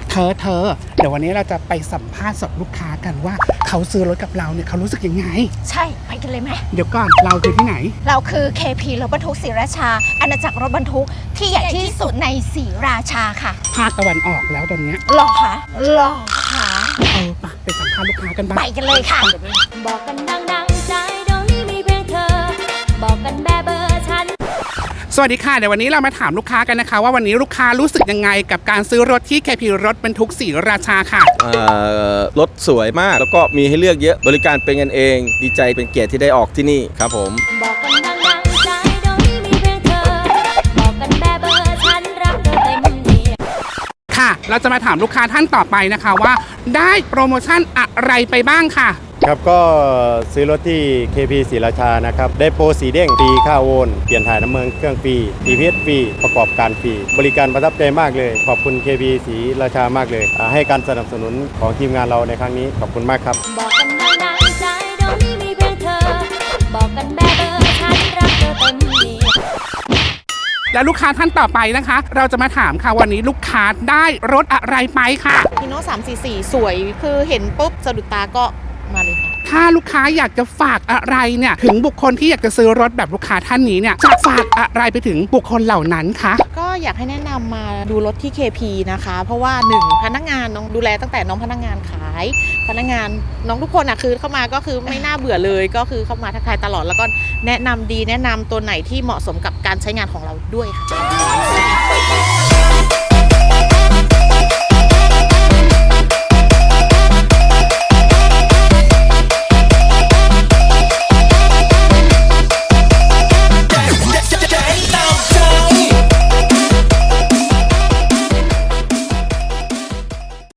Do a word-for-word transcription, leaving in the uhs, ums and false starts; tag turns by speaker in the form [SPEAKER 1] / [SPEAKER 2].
[SPEAKER 1] เธอเธอเดี๋ยววันนี้เราจะไปสัมภาษณ์สดลูกค้ากันว่าเขาซื้อรถกับเราเนี่ยเขารู้สึกยังไง
[SPEAKER 2] ใช่ไปกันเลยไหม
[SPEAKER 1] เดี๋ยวก่อนเราคือที่ไหน
[SPEAKER 2] เราคือ เค พี รถบรรทุกศรีราชาอาณาจักรรถบรรทุกที่ใหญ่ที่สุดในศรีราชาค่ะ
[SPEAKER 1] ภาคตะวันออกแล้วตอนนี้
[SPEAKER 2] หรอคะหรอคะ
[SPEAKER 1] เออไปไปสัมภาษณ์ลูกค้ากันบ้าง
[SPEAKER 2] ไปกันเลยค่ะ
[SPEAKER 3] บอกกันดังๆใจตรงนี้มีเพียงเธอบอกกันแบบเบอร์ฉัน
[SPEAKER 1] สวัสดีค่ะเดี๋ยววันนี้เรามาถามลูกค้ากันนะคะว่าวันนี้ลูกค้ารู้สึกยังไงกับการซื้อรถที่ เค พี รถบรรทุกศรีราชาค่ะ
[SPEAKER 4] รถสวยมากแล้วก็มีให้เลือกเยอะบริการเป็นกันเองดีใจเป็นเกียรติที่ได้ออกที่นี่ครับผม
[SPEAKER 3] บอกกันดังๆใจตรงนี้มีเพียงเธอบอกกันแบบเบอร์ฉันรักเธอเต็มที่
[SPEAKER 1] ค่ะเราจะมาถามลูกค้าท่านต่อไปนะคะว่าได้โปรโมชั่นอะไรไปบ้างค่ะ
[SPEAKER 5] ครับก็ซื้อรถที่ เค พี ศรีราชานะครับได้โปรสีเด้งฟรีค่าโอนเปลี่ยนถ่ายน้ำมันเครื่องฟรี ที พี เอส ฟรีประกอบการฟรีบริการประทับใจมากเลยขอบคุณ เค พี ศรีราชามากเลยให้การสนับสนุนของทีมงานเราในครั้งนี้ขอบคุณมากครับ
[SPEAKER 3] บอกกันดังๆใจตรงนี้มีเพียงเธอบอกกันแบบเบอร์ฉันรักเธอเต็มที่
[SPEAKER 1] และลูกค้าท่านต่อไปนะคะเราจะมาถามค่ะวันนี้ลูกค้าได้รถอะไรไปค่ะ
[SPEAKER 6] ฮีโน่สามสี่สี่สวยคือเห็นปุ๊บสะดุดตาก็มาเลยค่ะ
[SPEAKER 1] ถ้าลูกค้าอยากจะฝากอะไรเนี่ยถึงบุคคลที่อยากจะซื้อรถแบบลูกค้าท่านนี้เนี่ยจะฝากอะไรไปถึงบุคคลเหล่านั้นคะ
[SPEAKER 6] ก็อยากให้แนะนำมาดูรถที่ เค พี นะคะเพราะว่าหนึ่งพนักงานน้องดูแลตั้งแต่น้องพนักงานขายพนักงานน้องทุกคนอ่ะคือเข้ามาก็คือไม่น่าเบื่อเลยก็คือเข้ามาทักทายตลอดแล้วก็แนะนำดีแนะนำตัวไหนที่เหมาะสมกับการใช้งานของเราด้วยค่ะ